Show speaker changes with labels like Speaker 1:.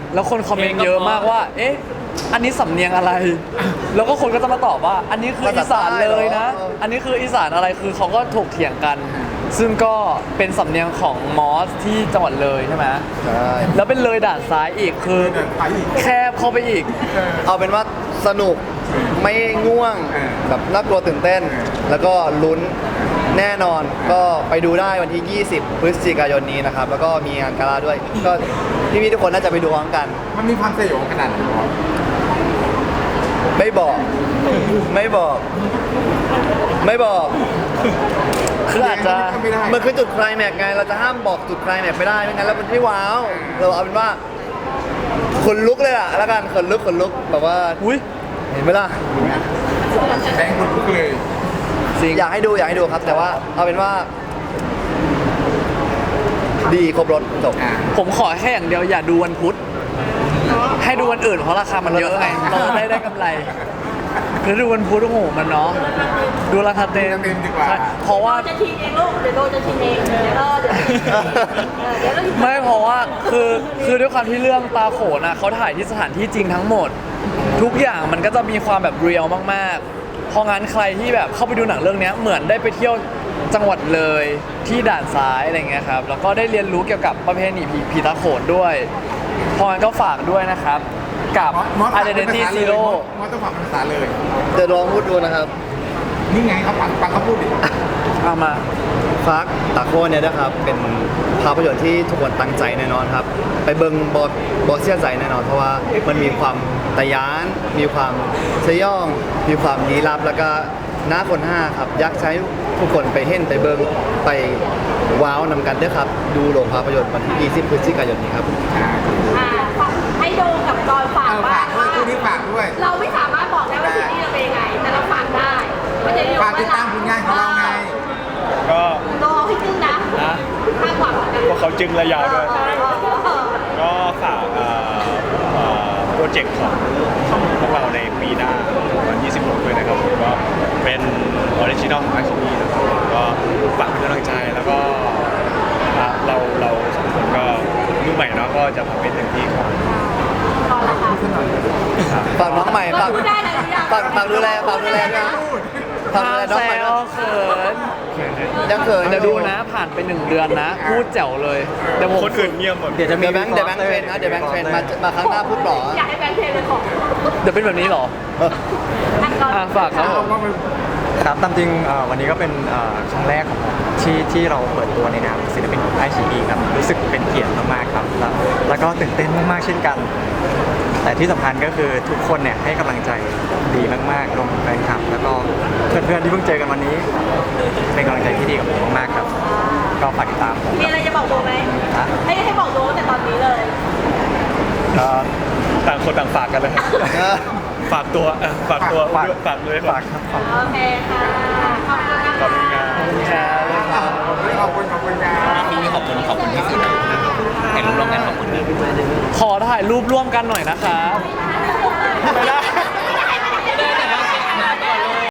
Speaker 1: แล้วคนคอมเมนต์เยอะมากว่าเอ๊ะอันนี้สำเนียงอะไรแล้วก็คนก็จะมาตอบว่าอันนี้คืออีสานเลยนะอันนี้คืออีสานอะไรคือเขาก็ถกเถียงกันซึ่งก็เป็นสำเนียงของมอสที่จังหวัดเลยใช่ไหม
Speaker 2: ใช่
Speaker 1: แล้วเป็นเลยด่านซ้ายอีกคือแคบเข้าไปอีก
Speaker 2: เอาเป็นว่าสนุกไม่ง่วงแบบน่ากลัวตื่นเต้น แล้วก็ลุ้นแน่นอนก็ไปดูได้วันที่ 20 พฤศจิกายนนี้นะครับ แล้วก็มีงานกาลาด้วย ก็พี่ๆทุกคนน่าจะไปดูพร้อมกัน
Speaker 3: มันมีความสยองขนาดไหนวะ
Speaker 2: ไม่บอก ไม่บอก ไม่บอก
Speaker 1: คืออาจจะ
Speaker 3: ไม่ได้
Speaker 2: มันคือจุดไคลแม็กซ์ไง เราจะห้ามบอกจุดไคลแม็กซ์ไม่ได้ไม่งั้นแล้วมันไม่ว้าว เราเอาเป็นว่าขนลุกเลยล่ะแล้วกันขนลุกแบบว่า
Speaker 1: อุ้ย
Speaker 2: เห็นไหมล่ะ
Speaker 3: แบงค์คนลุกเลย
Speaker 1: จริง
Speaker 2: อยากให้ดูครับ แต่ว่าเอาเป็นว่า ดีครบรถจบ
Speaker 1: ผมขอแค่อย่างเดียวอย่าดูวันพุธให้ดูวันอื่นเพราะราคามันเยอะไงเราจะได้กำไรคือดูวันพุธโอ้โหมันเนาะดูราคาเต็ม
Speaker 3: เต็มดีกว่า
Speaker 1: ใช่เพราะว่า
Speaker 4: จะชินเองลูกเดี๋ยวโดนจะชินเองเดี๋ยวเรา
Speaker 1: ไม่เพราะว่าคือด้วยความที่เรื่องตาโขนอ่ะเขาถ่ายที่สถานที่จริงทั้งหมด ทุกอย่างมันก็จะมีความแบบเรียลมากๆเพราะงั้นใครที่แบบเข้าไปดูหนังเรื่องนี้เหมือนได้ไปเที่ยวจังหวัดเลยที่ด่านซ้ายอะไรเงี้ยครับแล้วก็ได้เรียนรู้เกี่ยวกับประเพณีผีตาโขนด้วยเพราะงั้นก็ฝากด้วยนะครับกับ
Speaker 3: มอส
Speaker 1: Identity Zero
Speaker 3: มอสต้องฟังภาษาเลย
Speaker 2: จะลองพูดดูนะครับ
Speaker 3: นี่ไงเขาฟังเขาพูดดิ
Speaker 1: เอามา
Speaker 2: ฟักตาโคเนี่ยนะครับเป็นภาพยนตร์ที่ทุกคนตั้งใจแน่นอนครับ ไปเบิงบอเสียใจแน่นอนเพราะว่ามันมีความตะยาน มีความสยอง มีความลี้ลับแล้วก็หน้าคนห้าครับอยากใช้ทุกคนไปเห็นไปเบิงไปว้าวนำกันด้วยครับ ดูโรงภาพยนตร์วันที่20 พฤศจิกายนนี้ครับ
Speaker 4: ให้โดกับตอนฝาก
Speaker 3: เอา
Speaker 4: ว่า
Speaker 3: ฝากด้วยคู่นี้ฝากด้วย
Speaker 4: เราไม่สามารถบอกได้ว่าซีรีส์เราเป็นยังไง แต่เราฝากได้มันจะเรียก
Speaker 3: ฝากติดตามผลงานของเราไง
Speaker 5: ก็
Speaker 4: รอให้จึ้งนะข้างกว่ากัน
Speaker 5: พวกเขาจึงระยาวด้วย ก็ฝากโปรเจกต์ของพวกเราในปีหน้าวัน26ด้วยนะครับผมก็เป็นออริจินอลของอาชีพนะครับก็ฝากเป็นกำลังใจแล้วก็เราสองคนก็รุ่นใหม่เนาะก็จะทำเป็นเต็มที่ครับ
Speaker 4: ต่อแล้วค่ะ
Speaker 2: ฝากน้องใหม่ฝาก
Speaker 4: พูดได้เลยทุกอย่าง
Speaker 2: ฝากดูแลด้วยนะฝากดูแลน้อง
Speaker 1: ห้าม
Speaker 2: ใหม่
Speaker 1: แซ
Speaker 2: ด้
Speaker 1: ว
Speaker 2: วย
Speaker 1: เขิน
Speaker 2: ยังเขิน
Speaker 1: เดี๋ยวดูนะผ่านไป1 เดือนนะ พูดแจ๋วเลยเดี๋ยวผม
Speaker 5: คนอื่นเงียบหมด
Speaker 2: เดี๋ยวแบงค์เทรนนะเดี๋ยวแบงค์เทรนมาครั้งหน้าพูดหล่อ
Speaker 4: อยากให้แฟนเพลงเลยของ
Speaker 1: เดี๋ยวเป็นแบบนี้เหรอ
Speaker 4: อันก่อน
Speaker 1: ฝากครับผม
Speaker 6: ครับตามจริงวันนี้ก็เป็นครั้งแรกของผมที่เราเปิดตัวในนามศิลปินของไอชีครับรู้สึกเป็นเกียรติมากๆครับแล้วก็ตื่นเต้นมากๆเช่นกัน แต่ที่สำคัญก็คือทุกคนเนี่ยให้กำลังใจดีมากๆรวมถึงแฟนคลับ แล้วก็เพื่อนๆที่เพิ่งเจอกันวันนี้ เป็นกำลังใจที่ดีกับผมมากๆครับ ก็ฝากติดตามผม
Speaker 4: มีอะไรจะบอกโบไหมให้บอกโบแต่ตอนนี้เลย
Speaker 5: ก็ต่างคนต่างฝากกันเลยครับฝากตัวฝากเลย
Speaker 6: ฝากครับ
Speaker 4: โอเคค่ะขอบคุณนะ
Speaker 5: ขอบคุณค
Speaker 4: คะ
Speaker 5: รับ
Speaker 3: ขอบคุณงาน
Speaker 7: ปีนี้ขอบคุณที่สุดถ่ายรูปร่วมกันขอบคุณนะ
Speaker 1: ขอถ่ายรูปร่วมกันหน่อยนะครับ
Speaker 5: ไม่ได้